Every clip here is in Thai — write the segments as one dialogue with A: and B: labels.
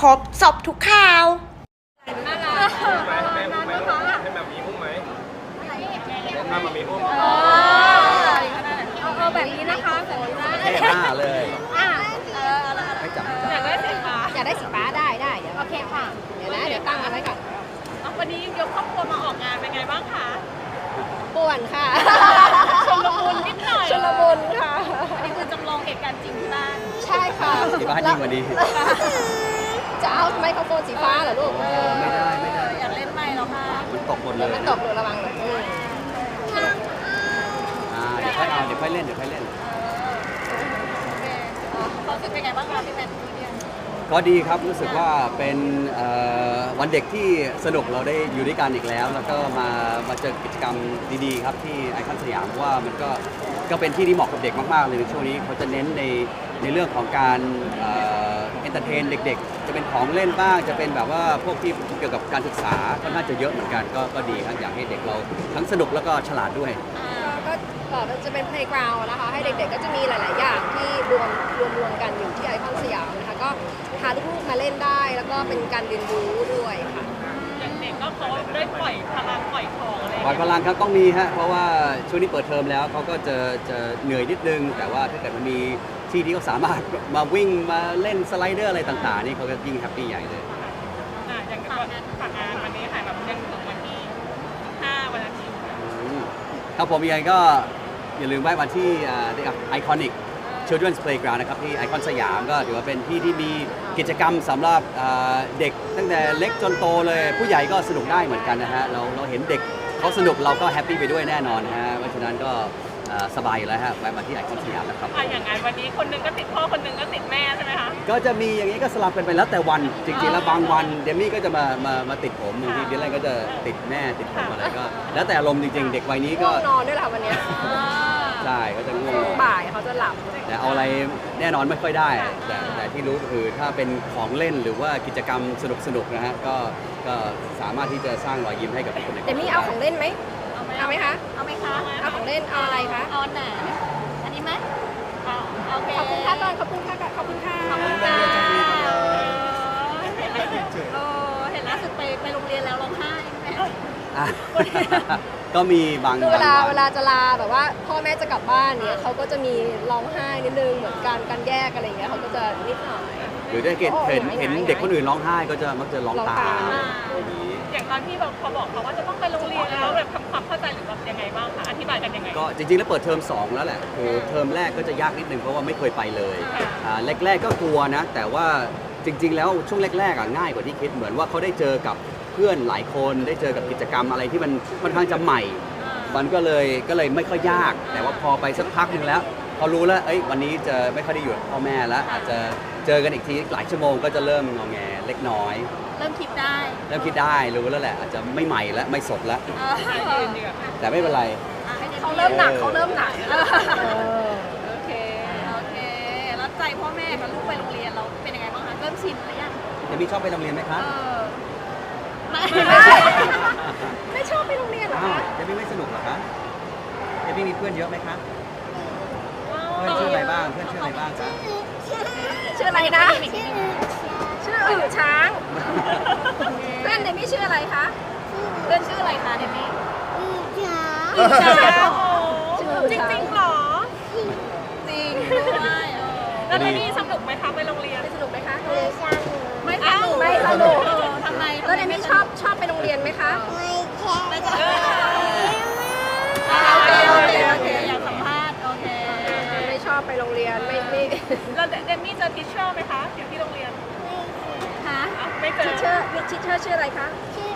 A: รบสอบทุกข่าว
B: น่ารักแม่อุ้มไหมลูกให้แบบมีอุ้มไหมถ้ามามีอุ้ม
C: แบบนี้นะคะแบบนี้นะ
D: แค่หน้าเลยให้จับ
C: อยากได้สีฟ้าอยากได้สีฟ้าได้เดี๋ยวโอเคค่ะเดี๋ยวนะเดี๋ยวตั้งเอาไว้ก่อน
A: วันนี้ยกครอบครัวมาออกงานเป็นไงบ้างคะ
C: ป่วนค่ะ
A: ชลมุนนิดหน่อย
C: ชลมุนค่ะ
A: อันนี้คือจำลองเหตุการณ์จริงที่บ้าน
C: ใช่ค่ะ
D: ที่บ้านยิ่งกว่านี้
C: จะเอาไมโครโฟนสีฟ้าเหรอลูก
D: ไม่ได้
A: อยากเล่นไมค์แล้วค่ะ
D: มันตกหมดเลย
C: มันตกหนูระวังเลย
D: เดี๋ยวค่อยเอาเดี๋ยวค่อยเล่น
A: เขาสึกเป็นไงบ้างคะพี่แมนพี่เดียน
D: ก็ดีครับรู้สึกว่าเป็นวันเด็กที่สนุกเราได้อยู่ด้วยกันอีกแล้ว แล้วก็มาเจอกิจกรรมดีๆครับที่ไอคอนสยามเพราะว่ามันก็เป็นที่ที่เหมาะกับเด็กมากๆเลยในช่วงนี้เขาจะเน้นในเรื่องของการเอนเตอร์เทนเด็กๆจะเป็นของเล่นบ้างจะเป็นแบบว่าพวกที่เกี่ยวกับการศึกษาค่อนข้างจะเยอะเหมือนกันก็ดีครับอยากให้เด็กเราทั้งสนุกแล้วก็ฉลาดด้วย
C: ก็จะเป็น playground นะคะให้เด็กๆก็จะมีหลายๆอย่างที่รวมกันอยู่ที่ไอคอนสยามนะคะก็พาลูกๆมาเล่นได้แล้วก็เป็นการเรียนรู้ด้วยค่ะ
A: อย่างเด็กก็เขาได้ปล่อยพลังปล่อยของอะไร
D: ปล่อยพลังครับต้องมีฮะเพราะว่าช่วงนี้เปิดเทอมแล้วเขาก็จะเหนื่อยนิดนึงแต่ว่าถ้าเกิดมันมีที่ที่เขาสามารถมาวิ่งมาเล่นสไลเดอร์อะไรต่างๆนี่เขาก็ยิ่งแฮปปี้ใหญ่เลย
A: อย่างฝากงานวันนี้ค่ะแบบยังถึงวันที่5วันอาทิตย์
D: ครับผมยังไงก็อย่าลืมไว้วันที่ไอคอนิก Children's Playground นะครับที่ไอคอนสยามก็ถือว่าเป็นที่ที่มีกิจกรรมสำหรับเด็กตั้งแต่เล็กจนโตเลยผู้ใหญ่ก็สนุกได้เหมือนกันนะฮะเราเห็นเด็กเขาสนุกเราก็แฮปปี้ไปด้วยแน่นอนฮะเพราะฉะนั้นก็สบายอยู่แล้วฮะไว้มาที่ไอคอนสยามนะครับ
A: อย่างงานวันนี้คนนึงก็ติดพ่อคนนึงก็ติดแม่ใช่ไหมคะ
D: ก็จะมีอย่างนี้ก็สลับกันไปแล้วแต่วันจริงๆแล้วบางวันเดมี่ก็จะมาติดผมบางทีเดลไลก็จะติดแม่ติดผมอะไรก็แล้วแต่อารมณ์จริงๆเด็กวัยนี้ก็
C: นอนด้วยแหละวันนี้
D: ใช่ก็จะง่วง
C: บ่ายเขาจะหลับ
D: แต่เอาอะไรแน่นอนไม่ค่อยได้แต่ที่รู้ก็คือถ้าเป็นของเล่นหรือว่ากิจกรรมสนุกนะฮะก็สามารถที่จะสร้างรอยยิ้มให้กับคนในครอบครัว
C: เดมี่เอาของเล่นไหมเอาไหมคะเอาของเล่นเอาอะไรคะ
A: เอาไหนอันนี้ไหมโอเค
C: ขอบคุณค่ะก่อนขอบคุณค่ะขอบคุณค่ะ
A: เห็นล่าสุดไปโรงเรียนแล้วร้องไห้ไหม
D: ก็มีบาง
C: คือเวลาจะลาแบบว่าพ่อแม่จะกลับบ้านเนี่ยเขาก็จะมีร้องไห้นิดนึงเหมือนการแยกอะไรอย่างเงี้ยเขาก็จะนิดหน่อย
D: หรือได้เห็นเด็กคนอื่นร้องไห้ก็จะมักจะร้องตาม
A: อย่างตอนที่แบบเขาบอกเขาว่าจะต้องไปโรงเรียนแล้วแบบทำความเข้าใจหรือแบบยังไงบ้างคะอธิบายกันยังไง
D: ก็จริงๆแล้วเปิดเทอม2แล้วแหละคือเทอมแรกก็จะยากนิดนึงเพราะว่าไม่เคยไปเลยแรกๆก็กลัวนะแต่ว่าจริงๆแล้วช่วงแรกๆง่ายกว่าที่คิดเหมือนว่าเขาได้เจอกับเพื่อนหลายคนได้เจอกับกิจกรรมอะไรที่มันค่อนข้างจะใหม่มันก็เลยไม่ค่อยยากแต่ว่าพอไปสักพักหนึ่งแล้วเขารู้แล้ววันนี้จะไม่ค่อยได้อยู่กับพ่อแม่แล้วอาจจะเจอกันอีกทีหลายชั่วโมงก็จะเริ่มงอแงเล็กน้อย
A: เริ่มคิดได้
D: รู้แล้วแหละอาจจะไม่ใหม่แล้วไม่สดแล้วแต่ไม่เป็นไร
C: เขาเริ่มหนักโอ
A: เคแล้วใจพ่อแม่กับลูกไปโรงเรียนเราเป็นยังไงบ้างคะเริ่มชินหรือยัง
D: เดมี่ชอบไปโรงเรียนไหมคะ
C: ไม่ชอบไปโรงเรียนเหรอคะ
D: เดมี่ไม่สนุกเหรอคะเดมี่มีเพื่อนเยอะไหมคะเพื่อนชื่ออะไรบ้างจ๊ะ
C: ชื่ออะไรนะชื่ออึ่งช้างเพื่อนเดมี่ชื่ออะไรคะ
A: เพื่อนชื่ออะไรคะเดมี่
C: อึ่งช้าง
A: จริงๆหรอจริงด้วยแล้วเดมี่สนุกไหมคะไปโรงเรียน
C: สนุกไหมคะ
A: ไม่
C: สนุก
A: ทำไม
C: แล้วเดมี่ชอบไปโรงเรียนไหมคะ
A: ไม่ชอบโอเคอยากสัมภาษณ์โอเค
C: ไม่ชอบไปโรงเรียนไม่
A: แล้วเดมี่เจอทิชเชอร์ไหมคะอยู่ที่โรงเรียน
C: คะ
A: ไม่เจอ
C: ทิชเชอร์ชื่ออะไรคะ
A: ชื่อ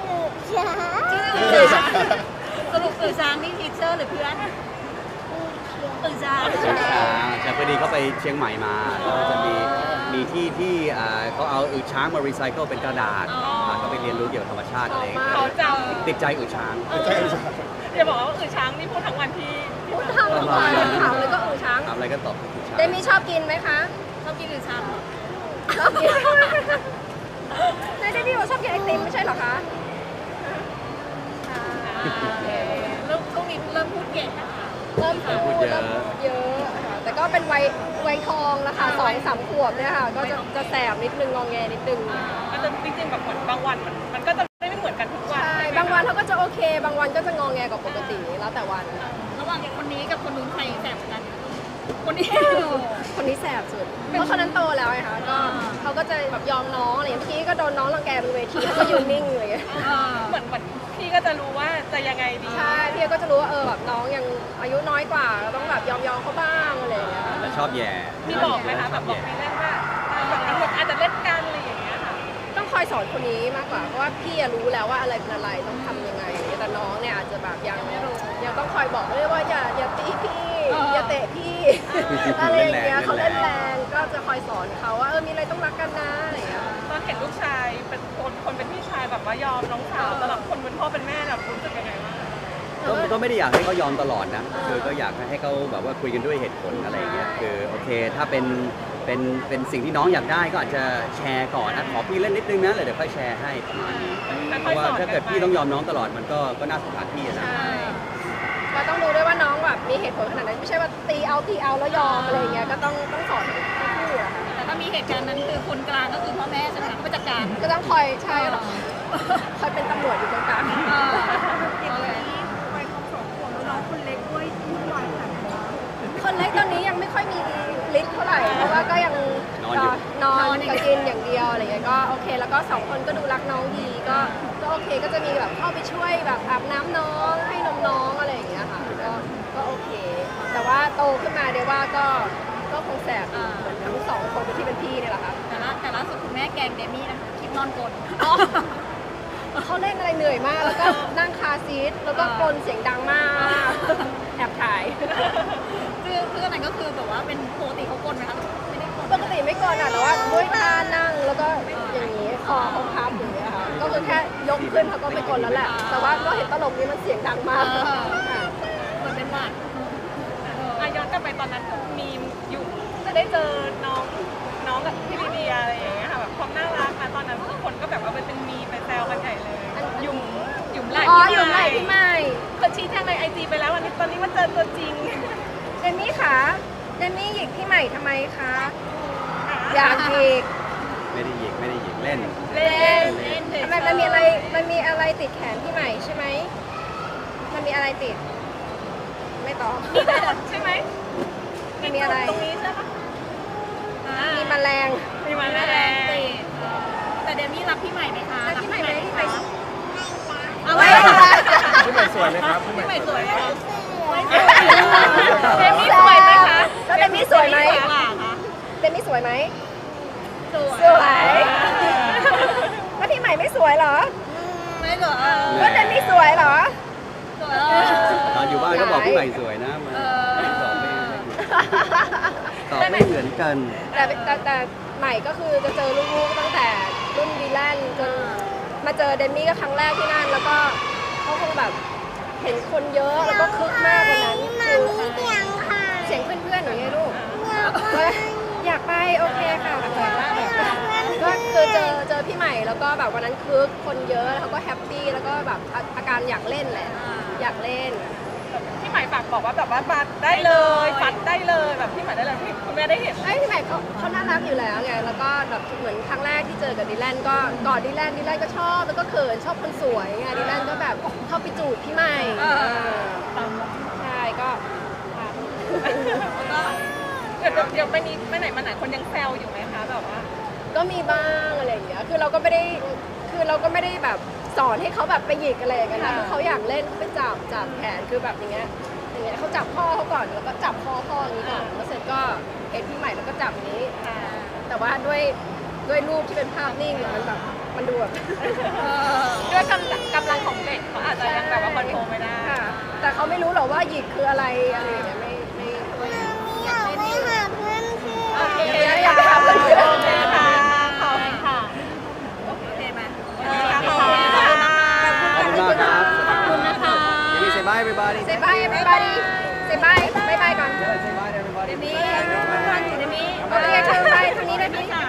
A: สรุปอึ่งช้างนี่ทิชเชอร์หรือเพื่อนอึ่งช้าง
D: แต่พอดีเขาไปเชียงใหม่มาก็จะมีที่เขาเอาอึ่งช้างมารีไซเคิลเป็นกระดาษเขาไปเรียนรู้เกี่ยวกับธรรมชาติอะไร
A: เขาจ
D: ำติดใจอึ่งช้าง
A: อย่าบอกว่าอึ่งช้างนี่พูดทั้งวันที่
C: พูดทั้งวันถามเลยก็อึ่งช้าง
D: ถามอะไรก็ตอบอึ่งช้าง
C: เดมี่ชอบกินไหมคะ
A: ชอบกินอึ่งช้าง
C: ชอบกินในเดมี่บอกชอบกินไอติมไม่ใช่เหรอคะ
A: เริ่มช่วงนี้เริ่มพูดเก่งนะคะ
C: เริ่มพูดเยอะแต่แต่ก็เป็นวัยทองแล้วค่ะ2-3 ขวบเนี่ยค่ะก็จะแสบนิดนึงงอแงนิดนึง
A: มันจะจริงๆแบบเหมือนบางวันมันก็จะไม่เหมือนกันทุกวัน
C: ใช่บางวันเขาก็จะโอเค บางวันก็จะงอแงกว่าปกติแล้วแต่วัน
B: ระหว่างคนนี้กับคนนู้นใครแสบกัน คนนี้
C: คนนี้แสบสุดเพราะคนนั้นโตแล้วไงคะก็เขาก็จะแบบยอมน้องอะไรอย่างเงี้ยเมื่อกี้ก็โดนน้องรังแกบนเวทีเขาก็ยืนนิ่งเลย
A: เหมือนพี่ก็จะรู้ว่าจะยังไงดี
C: ใช่พี่ก็จะรู้ว่าแบบน้องยังอายุน้อยกว่าเราต้องแบบยอมเขาบ้างอะไรอย่างเงี้ย
D: แล้วชอบแย่
A: พี่บอกไหมคะแบบบอกพี่เล่นว่าแบบอาจจะเล่นกันอะไรอย่างเงี้ยค่ะ
C: ต้องคอยสอนคนนี้มากกว่าเพราะว่าพี่รู้แล้วว่าอะไรเป็นอะไรต้องทำยังไงแต่น้องเนี่ยอาจจะแบบยังไม่รู้ยังต้องคอยบอกเลยว่าอย่าตีพี่อย่าเตะพี่อะไรอย่างเงี้ยเขาเล่นแรงก็จะคอยสอนเขาว่ามีอะไรต้องรักกันนะอะไรอย่างเงี้ย
A: ตอนเห็นลูกชายเป็นคนเป็นพี่ชายแบบว่ายอมน้องสาวสำหรับคนเป็นพ่อเป็นแม่แบบรู้สึกยังไงบ้าง
D: ก็ไม่ได้อยากให้เขายอมตลอดนะคือก็อยากให้เขาแบบว่าคุยกันด้วยเหตุผลอะไรอย่างเงี้ยคือโอเคถ้าเป็นสิ่งที่น้องอยากได้ก็อาจจะแชร์ก่อนนะขอพี่เล่นนิดนึงนะเดี๋ยวค่อยแชร์ให้ประมาณนี้เพราะว่าถ้าเกิดพี่ต้องยอมน้องตลอดมันก็น่าสงสารพี่นะ
C: ใช่ก็ต้องดูด้วยว่าน้องแบบมีเหตุผลขนาดนั้นไม่ใช่ว่าตีเอาแล้วยอมอะไรอย่างเงี้ยก็ต้องสอนทั้งคู่อะค่ะ
B: แต่ถ้ามีเหตุการณ์นั้นคือคนกลางก็คือพ่อแม่ใช่ไหมคะผู้จัดการ
C: ก็ต้องคอยใช่หรอคอยเป็นตำรวจอยู่ตรงกลาง คนเล็กตอนนี้ยังไม่ค่อยมีฤทธิ์เท่าไหร่เพราะว่าก็ยังนอนกับกินอย่างเดียวอะไรเงี้ยก็โอเคแล้วก็2 คนก็ดูรักน้องดีก็โอเคก็จะมีแบบเข้าไปช่วยแบบอาบน้ำน้องให้นมน้องอะไรอย่างเงี้ยค่ะก็โอเค แต่ว่าโตขึ้นมาเดี๋ยวว่าก็คงแสบเหมือนทั้ง2 คนที่เป็นพี่เนี่ยแหละค่ะ
B: แต่ล่าสุดคุณแม่แกงเดมี่นะคะคลิปนอนกลน
C: เขาเล่นอะไรเหนื่อยมากแล้วก็นั่งคาซีทแล้วก็กลนเสียงดังมากแอบถ่าย
B: คืออันนั้นก็คือแบบว่าเป็นปกติเขากลนไหมคะไม่ได้กลน
C: ปกติไม่กลนอ่ะแต่ว่าด้วยท่านั่งแล้วก็อย่างนี้คอเขาพับอย่างเงี้ยค่ะก็คือแค่ยกขึ้นเขาก็ไม่กลนแล้วแหละแต่ว่าก็เห็นตลกนี้มันเสียงดังมากค่ะ
B: เหมือนเป็นหวัด
A: ย้อนกลับไปตอนนั้นคือมีอยู่จะได้เจอน้องกับพี่ลีเดียอะไรอย่างเงี้ยค่ะแบบความน่ารักนะตอนนั้นทุกคนก็แบบว่าเป็นมีไปแซวกันใหญ่เลยหยุ่มไหล่
C: อ๋อ
A: พี่
C: อยู่ไหนพี่ใหม่
A: เขาชี้แจงในIG ไปแล้ววันนี้ตอนนี้มาเจอตัวจริง
C: เดมี่คะเดมี่หยิกพี่ใหม่ทำไมคะอยากหยิก
D: ไม่ได้หยิกเล่น
C: เล่นทำไมมันมีอะไรติดแขนพี่ใหม่ใช่ไหมมันมีอะไรติด ไม่ตอบ
A: มีขนใช่ไหม
C: มันมีอะไร
A: ตรงนี้ใช่ปะ
C: มีแมลง
A: มีมา
B: แร
A: แล้
B: ง
A: ว
B: ติดแต่เดมี่รักพี่ใหม่ไหมคะ
C: แล้วพี่ใหม่ไหมพี่ใหม่
B: เอาไว้
E: พี่ใหม่สวยไหมครับ
B: พี่ใหม่สวยไหมคะ
A: เดมี่สวยไหมคะ
C: แล้วเดมี่สวยไหม
B: กว่าคะ
C: เดมี่สวยไหม
B: สวย
C: สวยแล้วพี่ใหม่ไม่สวยเหรอ
B: ไม่เหรอ
C: แล้วเดมี่สวยเหรอ
B: สวย
D: ตอนอยู่บ้านก็บอกพี่ใหม่สวยนะมันตอบไม่เหมือนกัน
C: แต่ใหม่ก็คือจะเจอลูกๆตั้งแต่รุ่นดีแลนด์จนมาเจอเดมี่ก็ครั้งแรกที่นั่นแล้วก็เขาคงแบบเห็นคนเยอะแล้วก็คึกมากกว่านั้นเสียงเพื่อนๆหนูไงลูกอยากไปโอเคค่ะก็คือเจอพี่ใหม่แล้วก็แบบวันนั้นคึกคนเยอะแล้วเขาก็แฮปปี้แล้วก็แบบอาการอยากเล่นแหละอยากเล่น
A: พี่ใหม่ฝากบอกว่าแบบว่าบัตรได้เลยปัดได้เลยแบบพี่ใหม่ได้เลยคุณแม่ได้เห็น
C: ไอ้พี่ใหม่เขาน่ารักอยู่แล้วไงแล้วก็แบบเหมือนครั้งแรกที่เจอกับดีแลนก็กอดดีแลนก็ชอบแล้วก็เขินชอบคนสวยไงดีแลนก็แบบเข้าไปจูบพี่ใหม่ใช่ก็
A: เดี๋ยวไปนี้ไปไหนมาไหนคนยังแซวอยู่ไหมคะแบบว่า
C: ก็มีบ้างอะไรอย่างเงี้ยคือเราก็ไม่ได้แบบสอนให้เขาแบบไปหยิกอะไรอย่างเงี้ยนะคือเขาอยากเล่นเขาไปจับแขนคือแบบอย่างเงี้ยเขาจับพ่อเขาก่อนแล้วก็จับพ่ออย่างนี้ก่อนแล้วเสร็จก็เอ็นพี่ใหม่แล้วก็จับนี้ แต่ว่าด้วยรูปที่เป็นภาพนิ่งเนี่ยมันแบบมันดูแบบ
A: ด้วยกำลังของเด็กเขาอาจจะยังแบบว่าคอนโทรลไม่ได้
C: ค่ะแต่เขาไม่รู้หรอกว่าหยิกคืออะไรอะไรอย่างเงี้ยไม่อยากเล่นอยู่
A: โอเค
C: อยากไปหาเพื่อน
A: โอเคค่ะขอบคุณค่ะ
B: โอเคไหม
A: ขอบคุณค่ะ
D: ขอบคุณมากครับ
B: ขอบคุณนะคะ
D: มีเซบายไปบาร์ดี้
C: เซบายeverybody เซบายบายก่อน
D: เซบาย everybody
C: เดมี่โอเคค่ะบายทางนี้ได้ไหม